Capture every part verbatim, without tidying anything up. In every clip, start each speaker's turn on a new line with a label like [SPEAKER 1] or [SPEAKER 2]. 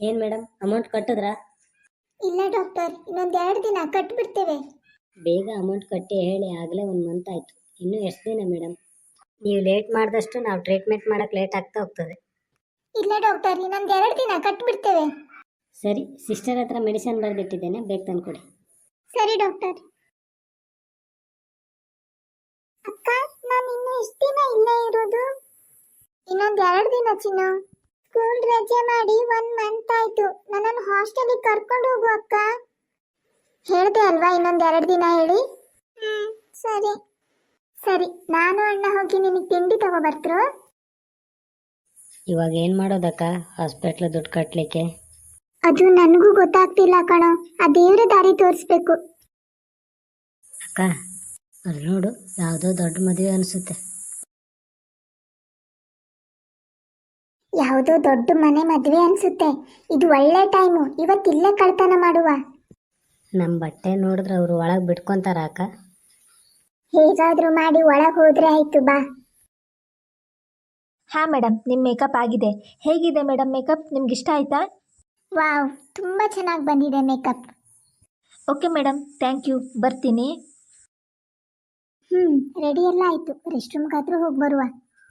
[SPEAKER 1] ಏನು madam amount ಕಟ್ಟಿದ್ರಾ?
[SPEAKER 2] ಇಲ್ಲ doctor, ಇನ್ನೊಂದು ಎರಡು ದಿನ ಕಟ್ಬಿಡ್ತೇವೆ.
[SPEAKER 1] ಬೇಗ ಅಮೌಂಟ್ ಕಟ್ಟಿ ಹೇಳಿ, ಆಗಲೇ ಒಂದು ಮಂತ್ ಆಯಿತು. ಇನ್ನೂ ಎಷ್ಟು ದಿನ ಮೇಡಮ್? ನೀವು ಲೇಟ್ ಮಾಡಿದಷ್ಟು ನಾವು ಟ್ರೀಟ್ಮೆಂಟ್ ಮಾಡೋಕ್ಕೆ ಲೇಟ್ ಆಗ್ತಾ ಹೋಗ್ತದೆ.
[SPEAKER 2] ಇಲ್ಲ ಡಾಕ್ಟರ್, ಇನ್ನೊಂದು ಎರಡು ದಿನ ಕಟ್ಬಿಡ್ತೇವೆ.
[SPEAKER 1] ಸರಿ, ಸಿಸ್ಟರ್ ಹತ್ರ ಮೆಡಿಸಿನ್ ಬರೆದಿಟ್ಟಿದ್ದೇನೆ, ಬೇಗ ತಂದುಕೊಡಿ.
[SPEAKER 2] ಸರಿ ಡಾಕ್ಟರ್. ಅಕ್ಕ, ನಾನು ಇನ್ನು ಎಷ್ಟು ದಿನ ಇಲ್ಲೇ ಇರೋದು? ಇನ್ನೊಂದು ಎರಡು ದಿನ ಚಿನ್ನು. ಸ್ಕೂಲ್ ರಜೆ ಮಾಡಿ ಒನ್ ಮಂತ್ ಆಯ್ತು. ನನ್ನನ್ನು ಹಾಸ್ಟೆಲಿಗೆ ಕರ್ಕೊಂಡು ಹೋಗು ಅಕ್ಕ. ಹೇಳ್ದೆ ಅಲ್ವಾ ಇನ್ನೊಂದು ಎರಡು ದಿನ ಹೇಳಿ. ಹ್ಮ್ ಸರಿ ಸರಿ, ನಾನು ಅಣ್ಣ ಹೋಗಿ ನಿನಗೆ ತಿಂಡಿ ತಗೋಬರ್ತರು.
[SPEAKER 1] ಇವಾಗ ಏನು ಮಾಡೋದಕ್ಕ ಹಾಸ್ಪಿಟ್ಲ್ ದುಡ್ಡು ಕಟ್ಟಲಿಕ್ಕೆ?
[SPEAKER 2] ಅದು ನನಗೂ ಗೊತ್ತಾಗ್ತಿಲ್ಲ ಕಣೋ, ಆ ದೇವ್ರ ದಾರಿ ತೋರಿಸ್ಬೇಕು.
[SPEAKER 1] ಅಕ್ಕ, ಅಲ್ಲಿ ನೋಡು, ಯಾವುದೋ ದೊಡ್ಡ ಮದುವೆ ಅನಿಸುತ್ತೆ.
[SPEAKER 2] ಯಾವುದೋ ದೊಡ್ಡ ಮನೆ ಮದುವೆ ಅನ್ಸುತ್ತೆ. ಇದು ಒಳ್ಳೆ ಟೈಮು, ಇವತ್ತಿಲ್ಲೇ ಕಳ್ತನ ಮಾಡುವ.
[SPEAKER 1] ನಮ್ಮ ಬಟ್ಟೆ ನೋಡಿದ್ರೆ ಅವರು ಒಳಗೆ ಬಿಟ್ಕೊಂತಾರ ಅಕ್ಕ?
[SPEAKER 2] ಹೇಗಾದ್ರೂ ಮಾಡಿ ಒಳಗೆ ಹೋದ್ರೆ ಆಯ್ತು, ಬಾ.
[SPEAKER 3] ಹಾಂ ಮೇಡಮ್, ನಿಮ್ಮ ಮೇಕಪ್ ಆಗಿದೆ. ಹೇಗಿದೆ ಮೇಡಮ್ ಮೇಕಪ್? ನಿಮ್ಗೆ ಇಷ್ಟ ಆಯಿತಾ?
[SPEAKER 2] ವಾವ್, ತುಂಬ ಚೆನ್ನಾಗಿ ಬಂದಿದೆ makeup.
[SPEAKER 3] Okay madam, thank you. ಬರ್ತೀನಿ.
[SPEAKER 2] ಹ್ಞೂ, ರೆಡಿ ಎಲ್ಲ ಆಯಿತು. ರೆಸ್ಟ್ ರೂಮ್ಗಾದ್ರೂ ಹೋಗಿ ಬರುವ.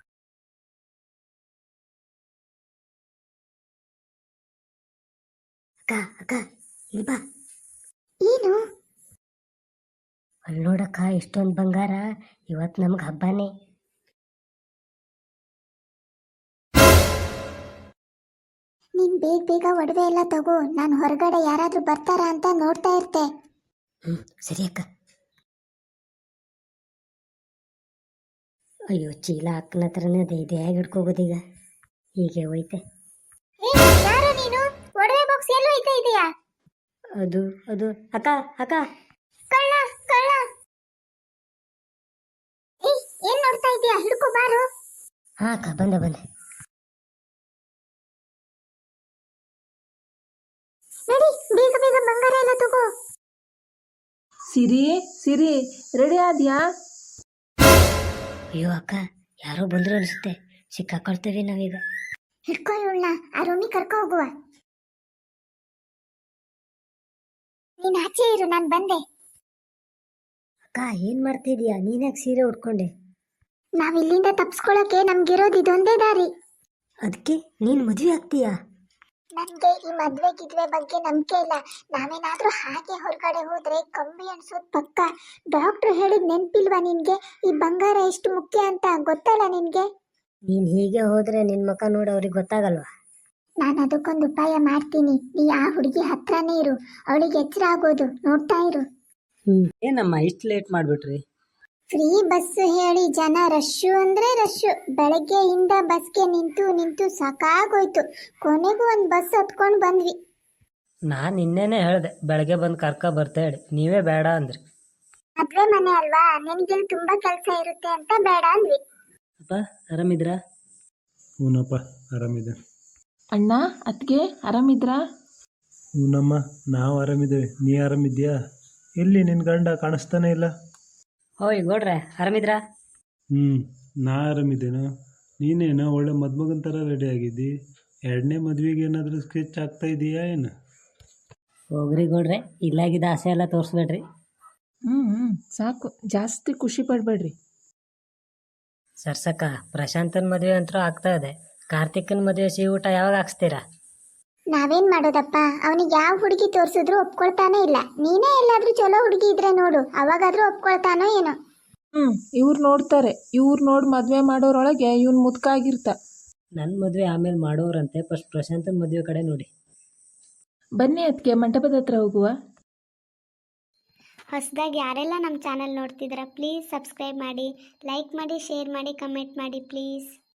[SPEAKER 1] ಅಕ್ಕ ಅಕ್ಕ ಇಲ್ಲಿ ಬಾ.
[SPEAKER 2] ಏನು?
[SPEAKER 1] ಅಲ್ಲಿ ನೋಡಕ್ಕ, ಇಷ್ಟೊಂದು ಬಂಗಾರ. ಇವತ್ತು ನಮ್ಗೆ ಹಬ್ಬನೇ.
[SPEAKER 2] ನೀನು ಬೇಗ ಬೇಗ ಒಡವೆ ಎಲ್ಲ ತಗೋ. ನಾನು ಹೊರಗಡೆ ಯಾರಾದರೂ ಬರ್ತಾರಾ ಅಂತ ನೋಡ್ತಾ ಇರ್ತೆ.
[SPEAKER 1] ಹ್ಞೂ ಸರಿ ಅಕ್ಕ. ಅಯ್ಯೋ, ಚೀಲ ಅಕ್ಕನ ಹತ್ರನೇ ಅದೇ, ಇದು ಹೇಗೆ ಹಿಡ್ಕೋಗೋದೀಗ? ಹೀಗೆ ಹೋಯ್ತೆ.
[SPEAKER 2] ಯಾರು ನೀನು? ಒಡವೆ ಬಾಕ್ಸ್ ಎಲ್ಲೋ ಐತೆ ಇದೆಯಾ?
[SPEAKER 1] ಅದು ಅದು ಅಕ್ಕ ಅಕ್ಕ.
[SPEAKER 2] ಕಳ್ಳ ಕಳ್ಳ. ಏಯ್, ಏನ್ ನೋಡ್ತಾ ಇದೀಯಾ? ಹಿಡ್ಕೋ ಬಾರು.
[SPEAKER 1] ಹಾಂ ಅಕ್ಕ, ಬಂದೆ ಬಂದೆ.
[SPEAKER 2] ನಡಿ, ಬೇಗ ಬೇಗ ಬಂಗಾರ ಎಲ್ಲ ತಗೋ.
[SPEAKER 4] ಸಿರಿ ಸಿರಿ, ರೆಡಿ ಆದ್ಯಾ?
[SPEAKER 1] ಅಯ್ಯೋ ಅಕ್ಕ, ಯಾರೋ ಬಂದ್ರು ಅನಿಸುತ್ತೆ. ಸಿಕ್ಕಾಕೊಳ್ತೇವೆ ನಾವೀಗ.
[SPEAKER 2] ಹಿಡ್ಕೋ ಇವಳನ್ನ, ಆ ರೂಮಿಗೆ ಕರ್ಕೊ ಹೋಗುವ. ನೀನ್ ಆಚೆ ಇರು, ನಾನು ಬಂದೆ.
[SPEAKER 1] ಅಕ್ಕ, ಏನು ಮಾಡ್ತಿದೀಯಾ? ನೀನ್ಯಾಕೆ ಸೀರೆ ಉಟ್ಕೊಂಡೆ?
[SPEAKER 2] ನಾವ್ ಇಲ್ಲಿಂದ ತಪ್ಸ್ಕೊಳಕ್ಕೆ ನಮ್ಗಿರೋದು ಇದೊಂದೇ ದಾರಿ.
[SPEAKER 1] ಅದಕ್ಕೆ ನೀನು ಮದುವೆ ಆಗ್ತೀಯಾ?
[SPEAKER 2] ನನ್ಗೆ ಈ ಮದ್ವೆ ಗಿದ್ವೆ ಬಗ್ಗೆ ನಂಬಿಕೆ ಇಲ್ಲ. ನಾವೇನಾದ್ರೂ ಹಾಗೆ ಹೊರಗಡೆ ಹೋದ್ರೆ ಕಂಬಿ ಅನ್ಸೋದ್ ಪಕ್ಕ. ಡಾಕ್ಟ್ರು ಹೇಳಿದ್ ನೆನ್ಪಿಲ್ವಾ ನಿನ್ಗೆ? ಈ ಬಂಗಾರ ಎಷ್ಟು ಮುಖ್ಯ ಅಂತ ಗೊತ್ತಲ್ಲ ನಿನ್ಗೆ?
[SPEAKER 1] ನೀನು ಹೀಗೆ ಹೋದ್ರೆ ನಿನ್ನ ಮುಖ ನೋಡಿ ಅವ್ರಿಗೆ ಗೊತ್ತಾಗಲ್ವಾ?
[SPEAKER 2] ನಾನು ಅದಕ್ಕೊಂದು ಉಪಾಯ ಮಾಡ್ತೀನಿ. ನೀ ಆ ಹುಡುಗಿ ಹತ್ರನೇ ಇರು, ಅವಳಿಗೆ ಎಚ್ಚರ ಆಗೋದು ನೋಡ್ತಾ ಇರು.
[SPEAKER 1] ಹ್ಮ್.
[SPEAKER 5] ಏನಮ್ಮ ಇಷ್ಟು ಲೇಟ್ ಮಾಡಿಬಿಟ್ರಿ?
[SPEAKER 2] ಫ್ರೀ ಬಸ್ ಹೇಳಿ ಜನ ರಶ್ಶು ಅಂದ್ರೆ ರಶ್ಶು. ಬೆಳಗ್ಗೆಯಿಂದ ಬಸ್ಗೆ ನಿಂತು ನಿಂತು ಸಾಕಾಗೋಯ್ತು. ಕೊನೆಗೂ ಒಂದು ಬಸ್ ಹತ್ಕೊಂಡು ಬಂದ್ವಿ.
[SPEAKER 5] ನಾನು ನಿನ್ನೆನೇ ಹೇಳಿದೆ ಬೆಳಗ್ಗೆ ಬಂದು ಕರ್ಕ ಬರ್ತಾ ಹೇಳಿ, ನೀವೇ ಬೇಡ ಅಂದ್ರಿ.
[SPEAKER 2] ಮದ್ವೆ ಮನೆ ಅಲ್ವಾ, ನಿನಗೆ ತುಂಬಾ ಕೆಲಸ ಇರುತ್ತೆ ಅಂತ ಬೇಡ ಅಂದ್ವಿ.
[SPEAKER 5] ಅಪ್ಪ ಆರಾಮಿದ್ರಾ?
[SPEAKER 6] ಹೂನಪ್ಪ, ಆರಾಮಿದೆ.
[SPEAKER 4] ಅಣ್ಣ, ಅತ್ತಿಗೆ ಆರಾಮಿದ್ರಾ?
[SPEAKER 6] ಹೂನಮ್ಮ, ನಾವು ಆರಾಮಿದ್ದೇವೆ. ನೀ ಆರಾಮಿದ್ಯಾ? ಎಲ್ಲಿ ನಿನ್ನ ಗಂಡ ಕಾಣಿಸ್ತಾನೆ ಇಲ್ಲ?
[SPEAKER 5] ಓಯ್ ಗೌಡ್ರೆ, ಆರಾಮಿದ್ರಾ?
[SPEAKER 6] ಹ್ಞೂ, ನಾ ಆರಾಮಿದ್ದೇನೋ. ನೀನೇನೋ ಒಳ್ಳೆ ಮದುಮಗನ ಥರ ರೆಡಿ ಆಗಿದ್ದಿ. ಎರಡನೇ ಮದುವೆಗೆ ಏನಾದರೂ ಸ್ಕೆಚ್ ಆಗ್ತಾ ಇದೆಯಾ ಏನು?
[SPEAKER 5] ಹೋಗ್ರಿ ಗೌಡ್ರೆ, ಇಲ್ಲಾಗಿದ್ದ ಆಸೆ ಎಲ್ಲ ತೋರಿಸ್ಬೇಡ್ರಿ.
[SPEAKER 4] ಹ್ಞೂ ಹ್ಞೂ ಸಾಕು, ಜಾಸ್ತಿ ಖುಷಿ ಪಡಬೇಡ್ರಿ.
[SPEAKER 5] ಸರ್ಸಕ್ಕ, ಪ್ರಶಾಂತನ ಮದುವೆ ಅಂತೂ ಆಗ್ತಾ ಇದೆ. ಕಾರ್ತಿಕನ ಮದುವೆ ಸಿಹಿ ಊಟ ಯಾವಾಗ ಹಾಕ್ಸ್ತೀರಾ?
[SPEAKER 2] ನಾವೇನ್ ಮಾಡೋದಪ್ಪ, ಅವನಿಗೆ ಯಾವ ಹುಡುಗಿ ತೋರಿಸಿದ್ರು ಒಪ್ಕೊಳ್ತಾನೆ ಇಲ್ಲ. ನೀನೇ ಎಲ್ಲಾದ್ರೂ ಚಲೋ ಹುಡುಗಿ ಇದ್ರೆ ನೋಡು, ಅವಾಗಾದ್ರೂ ಒಪ್ಕೊಳ್ತಾನೋ ಏನೋ.
[SPEAKER 4] ಹ್ಞೂ ಇವ್ರು ನೋಡ್ತಾರೆ. ಇವ್ರು ನೋಡಿ ಮದುವೆ ಮಾಡೋರೊಳಗೆ ಇವ್ನು ಮುದುಕಾಗಿರ್ತ.
[SPEAKER 5] ನನ್ನ ಮದುವೆ ಆಮೇಲೆ ಮಾಡೋರಂತೆ, ಫಸ್ಟ್ ಪ್ರಶಾಂತನ ಮದುವೆ ಕಡೆ ನೋಡಿ.
[SPEAKER 4] ಬನ್ನಿ ಅದಕ್ಕೆ ಮಂಟಪದ ಹತ್ರ ಹೋಗುವ.
[SPEAKER 2] ಹೊಸದಾಗಿ ಯಾರೆಲ್ಲ ನಮ್ಮ ಚಾನಲ್ ನೋಡ್ತಿದ್ದೀರಾ, ಪ್ಲೀಸ್ ಸಬ್ಸ್ಕ್ರೈಬ್ ಮಾಡಿ, ಲೈಕ್ ಮಾಡಿ, ಶೇರ್ ಮಾಡಿ, ಕಮೆಂಟ್ ಮಾಡಿ ಪ್ಲೀಸ್.